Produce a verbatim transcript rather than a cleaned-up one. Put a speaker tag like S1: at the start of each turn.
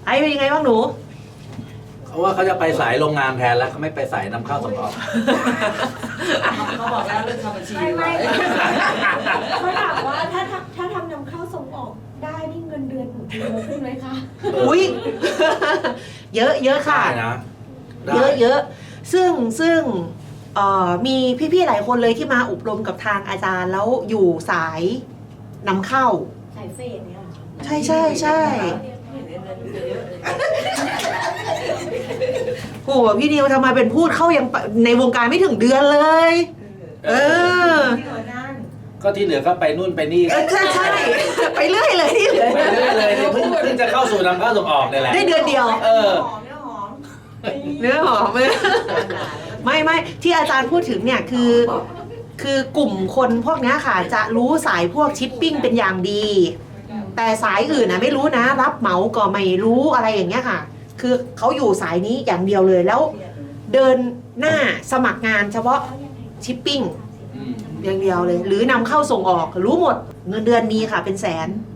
S1: ไอ้เป็นยังไงบ้างหนู
S2: เพราะว่าเขาจะไปสายโรงงานแทนแล้วเขาไม่ไปสายนำเข้าส่งออก
S3: เขาบอกแล้วเรื่องทำบัญชี
S4: ไม่ไม่
S3: ไว้
S4: เขาถามว่าถ้าถ้าถ้าทำนำเข้าส่งออกได้นี่เงินเดือนหนูจะเยอะขึ้นไหมคะ
S1: อุ้ย เยอะเยอะค่ะ
S2: ได้นะได้
S1: เยอะเยอะซึ่งซึ่งเอ่อมีพี่ๆหลายคนเลยที่มาอบรมกับทางอาจารย์แล้วอยู่สายนำเข้า
S4: สายเฟดเนี่ยเหรอคะ
S1: ใช่ใช่ใช่ โหพี่นิวทำไมเป็นพูดเข้ายังปะในวงการไม่ถึงเดือนเลย เออ
S4: ที่หัวนั่น
S2: ก็ที่เหลือก็ไปนู่นไปนี่
S1: เออใช่ใช่ไปเรื่อยเลยที่เหลือ
S2: ไปเรื่อยเลยเนี่ยเพิ่งเพิ่งจะเข้าสู่นำเข้าส่งออกเนี่ยแหละ
S1: ได้เดือนเดียว
S2: เออ
S4: หอมเนี่ยหอม
S1: เนื้อหอมไหมไม่ไม่ที่อาจารย์พูดถึงเนี่ยคือ คือกลุ่มคนพวกเนี้ยค่ะ จะรู้สายพวกชิปปิ้งเป็นอย่างดี แต่สายอื่นนะไม่รู้นะ รับเหมาก็ไม่รู้อะไรอย่างเงี้ยค่ะ คือเขาอยู่สายนี้อย่างเดียวเลยแล้ว เดินหน้าสมัครงานเฉพาะชิปปิ้ง
S2: อืม
S1: อย่างเดียวเลย หรือนำเข้าส่งออกรู้หมดเงินเดือนมีค่ะเป็นแสน
S4: อ